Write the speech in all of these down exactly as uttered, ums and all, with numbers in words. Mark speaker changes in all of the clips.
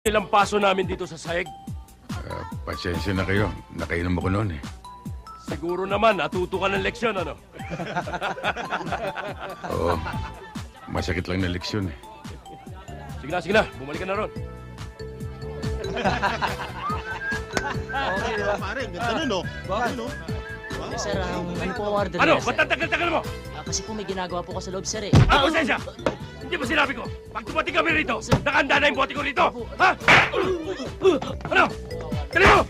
Speaker 1: Ilang paso namin dito sa sahig.
Speaker 2: Uh, pasensya na kayo. Nakainom ako noon eh.
Speaker 1: Siguro naman, natuto ka ng leksyon, ano?
Speaker 2: Oo. Masakit lang na leksyon eh.
Speaker 1: Sige na, sige na. Bumalik ka na ron.
Speaker 3: Okay, diba? Pare, ganda nun, no? Bakit, no?
Speaker 4: Eh, sir, um, ano po ang order
Speaker 1: Ano?
Speaker 4: niya,
Speaker 1: Ba't
Speaker 4: sir?
Speaker 1: ang tagal-tagal mo?
Speaker 4: Ah, kasi po may ginagawa po ka sa loob, sir, eh.
Speaker 1: Ah, pasensya! Hindi ba sinabi ko? Pag dumating kami rito, nakahanda na yung bote ko rito! Ha? Ano? Dali mo!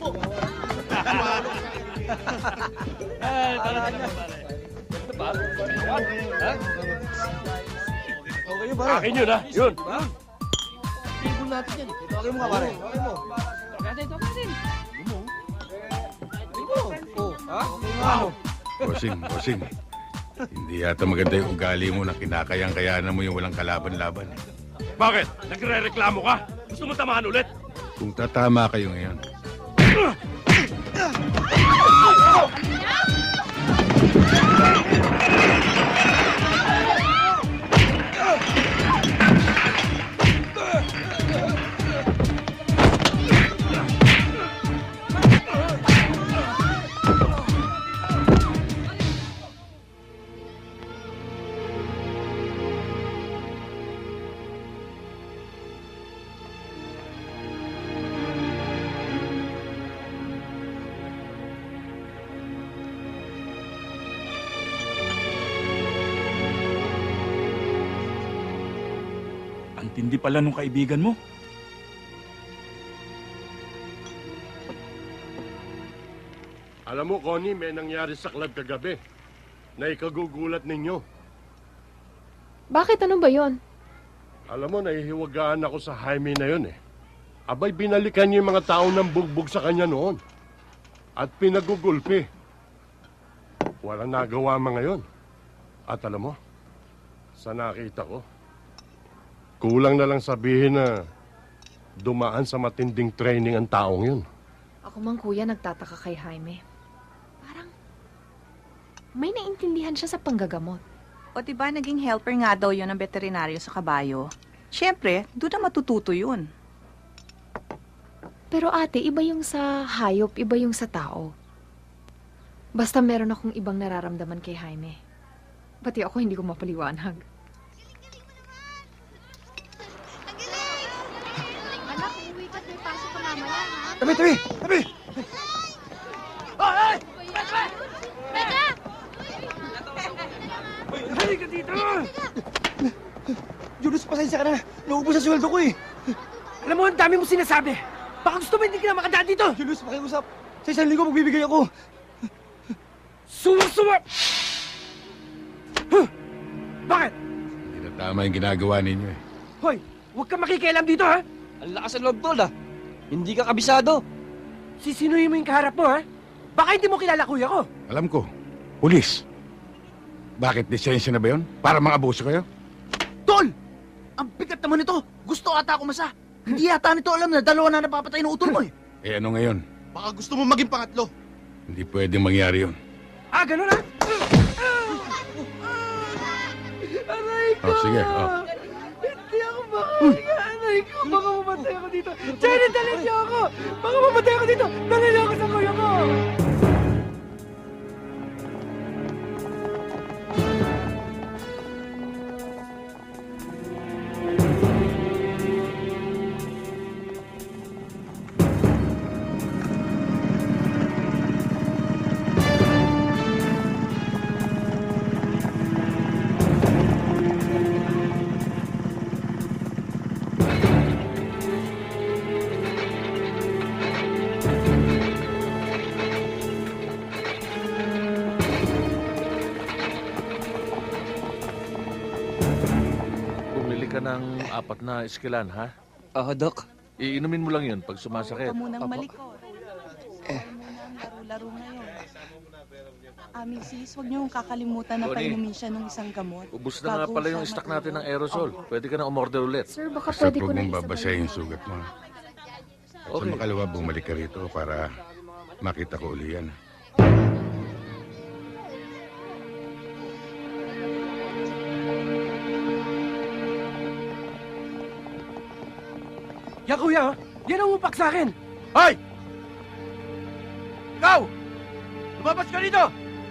Speaker 3: Okay, pare.
Speaker 1: Akin yun, ha? Yun!
Speaker 3: Table natin yan. Okay mo nga, pare. Okay mo. Oh, ha?
Speaker 1: Wow!
Speaker 2: Bossing, bossing. Hindi yata maganda yung ugali mo na kinakayang-kayanan mo yung walang kalaban-laban. eh.
Speaker 1: Bakit? Nagre-reklamo ka? Gusto mo tamahan ulit?
Speaker 2: Kung tatama kayo ngayon,
Speaker 5: Ang tindi pala nung kaibigan mo.
Speaker 1: Alam mo, Connie, may nangyari sa club kagabi na ikagugulat ninyo.
Speaker 6: Bakit? Ano ba yon?
Speaker 1: Alam mo, nahihiwagaan ako sa Jaime na yun eh. Abay, binalikan niyo yung mga tao ng bugbog sa kanya noon. At pinagugulpi. Walang nagawa mga yun. At alam mo, sa nakita ko, kulang na lang sabihin na dumaan sa matinding training ang taong yun.
Speaker 6: Ako mang kuya nagtataka kay Jaime. Parang may naintindihan siya sa panggagamot.
Speaker 7: O diba naging helper nga daw yun ng veterinaryo sa kabayo? Siyempre, doon na matututo yun.
Speaker 6: Pero ate, iba yung sa hayop, iba yung sa tao. Basta meron akong ibang nararamdaman kay Jaime. Pati ako hindi ko mapaliwanag.
Speaker 8: Anak, umuwi ka. May pasok ka mamaya, ha?
Speaker 3: Tabi, tabi! Tabi!
Speaker 8: Teka!
Speaker 1: Halika dito!
Speaker 3: Julius, pasensya ka na. Naubos sa sweldo ko eh.
Speaker 9: Alam mo, ang dami mo sinasabi. Baka gusto mo hindi ka na makadaan dito.
Speaker 3: Julius, pakiusap. Sa isang linggo magbibigay ako.
Speaker 9: Suwak-suwak! Huh? Bakit?
Speaker 2: hindi na tama yung ginagawa ninyo eh.
Speaker 9: Hoy, huwag ka makikialam dito, ha?
Speaker 3: Ang lakas ng loob, tol, ah. Hindi ka kabisado.
Speaker 9: Sisinuhin mo yung kaharap mo, ha? Baka hindi mo kilala kuya ko.
Speaker 2: Alam ko, pulis. Bakit lisensya na ba yun? Para mga abuso kayo?
Speaker 3: Tol! Ang bigat naman nito. Gusto ata ako masa. Hindi yata nito alam na dalawa na napapatay ng utol mo eh.
Speaker 2: Eh ano ngayon?
Speaker 3: Baka gusto mo maging pangatlo.
Speaker 2: Hindi pwedeng mangyari yun.
Speaker 9: Ah, ganun, ha? Aray ko!
Speaker 2: Oh, sige, oh.
Speaker 9: Hindi ako makahinga. Aray ko, baka mamatay ako dito. Jenny, dali niyo ako! Baka mamatay ako dito. Dali niyo ako sa kuya ko!
Speaker 10: Bumili ka ng apat na iskilan, ha?
Speaker 3: Oo, Doc.
Speaker 10: Iinumin mo lang yun pag sumasakit.
Speaker 7: Huwag ka munang
Speaker 3: Apo.
Speaker 7: malikot. Eh. Laro-laro ngayon. Ah, Missus, huwag niyo kakalimutan na
Speaker 10: Tony.
Speaker 7: painumin siya ng isang gamot.
Speaker 10: Ubus na nga
Speaker 7: Bago
Speaker 10: pala
Speaker 7: siya
Speaker 10: yung stock natin ng
Speaker 7: matulog.
Speaker 10: aerosol.
Speaker 7: Opo.
Speaker 10: Pwede ka na umorder ulit.
Speaker 6: Sir, baka
Speaker 2: Basta
Speaker 6: pwede ko
Speaker 2: huwag
Speaker 6: na
Speaker 2: mong
Speaker 6: isabay
Speaker 2: babasahin yung
Speaker 6: yung-
Speaker 2: sugat mo. At
Speaker 10: Okay.
Speaker 2: sa makalawa, bumalik ka rito para makita ko uli yan.
Speaker 9: Yan kuya, oh. Yan ang upak sa akin.
Speaker 3: Hoy! Ikaw! Lumabas ka dito!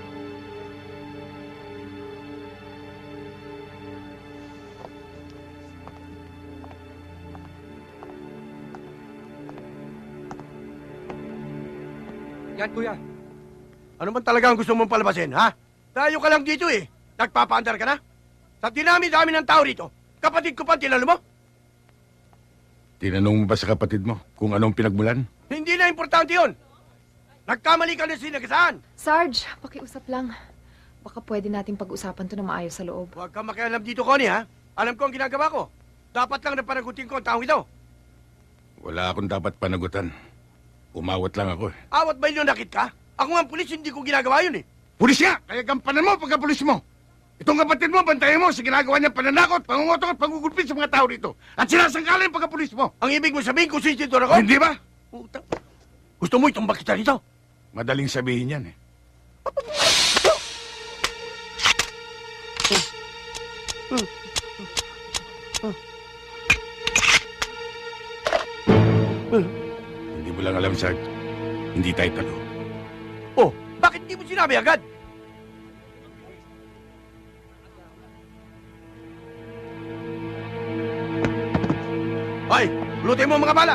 Speaker 9: Yan, kuya.
Speaker 3: Ano man talaga ang gusto mong palabasin, ha? Tayo ka lang dito eh. Nagpapaandar ka na? Sa dinami-dami ng tao rito, kapatid ko pa ang tinalo mo?
Speaker 2: Tinanong mo ba sa kapatid mo kung anong pinagmulan?
Speaker 3: Hindi na importante yun. Nagkamali ka na sinagasaan.
Speaker 6: Sarge, pakiusap lang. Baka pwede nating pag-usapan to na maayos sa loob.
Speaker 3: Huwag kang makialam dito, Connie, ha? Alam ko ang ginagawa ko. Dapat lang na panagutin ko ang taong ito.
Speaker 2: Wala akong dapat panagutan. Umawat lang ako eh.
Speaker 3: Awat ba yun nakit ka? Ako nga ang pulis, hindi ko ginagawa yun eh.
Speaker 2: Pulis nga! Kaya gampanan mo pagka-pulis mo! Itong kapatid mo, bantayan mo sa ginagawa niyang pananakot, pangungotok at pangugulpit sa mga tao dito. At sinasangkala yung pagka-pulis mo.
Speaker 3: Ang ibig mo sabihin kung sisito ako?
Speaker 2: Hindi ba?
Speaker 3: Utang. Gusto mo itumbak kita rito?
Speaker 2: Madaling sabihin yan eh. Hindi mo lang alam, Sarge. Hindi tayo talo.
Speaker 3: Oh, bakit hindi mo sinabi agad? Hoy, lutin mo ang mga bala!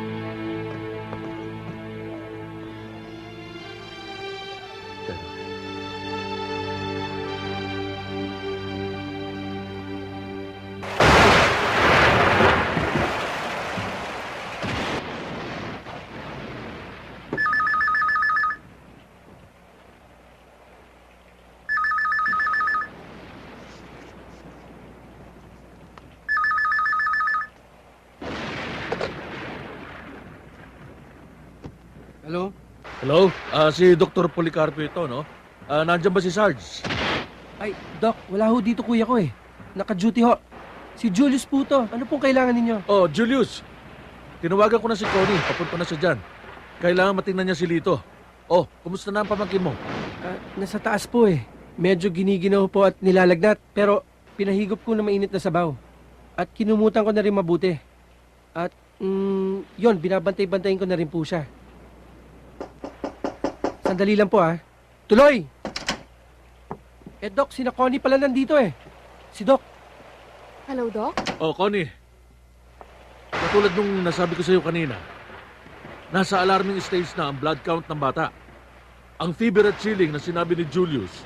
Speaker 9: Hello?
Speaker 10: Hello? Ah, si Doktor Policarpo ito, no? Ah, nandiyan ba si Sarge?
Speaker 9: Ay, Doc, wala ho dito kuya ko eh. Naka-duty ho. Si Julius po to. Ano pong kailangan ninyo?
Speaker 10: Oh, Julius. Tinawagan ko na si Connie. Papunta na siya dyan. Kailangan matingnan niya si Lito. Oh, kumusta na ang pamangkin mo?
Speaker 9: Ah, nasa taas po eh. Medyo giniginaw po at nilalagnat. Pero pinahigop ko na mainit na sabaw. At kinumutan ko na rin mabuti. At, mm, yon, binabantay-bantayin ko na rin po siya. Sandali lang po ah. Tuloy! Eh, Doc, sina Connie pala nandito eh. Si Doc.
Speaker 6: Hello, Doc?
Speaker 10: Oh, Connie. Katulad nung nasabi ko sa iyo kanina, nasa alarming stage na ang blood count ng bata. Ang fever at chilling na sinabi ni Julius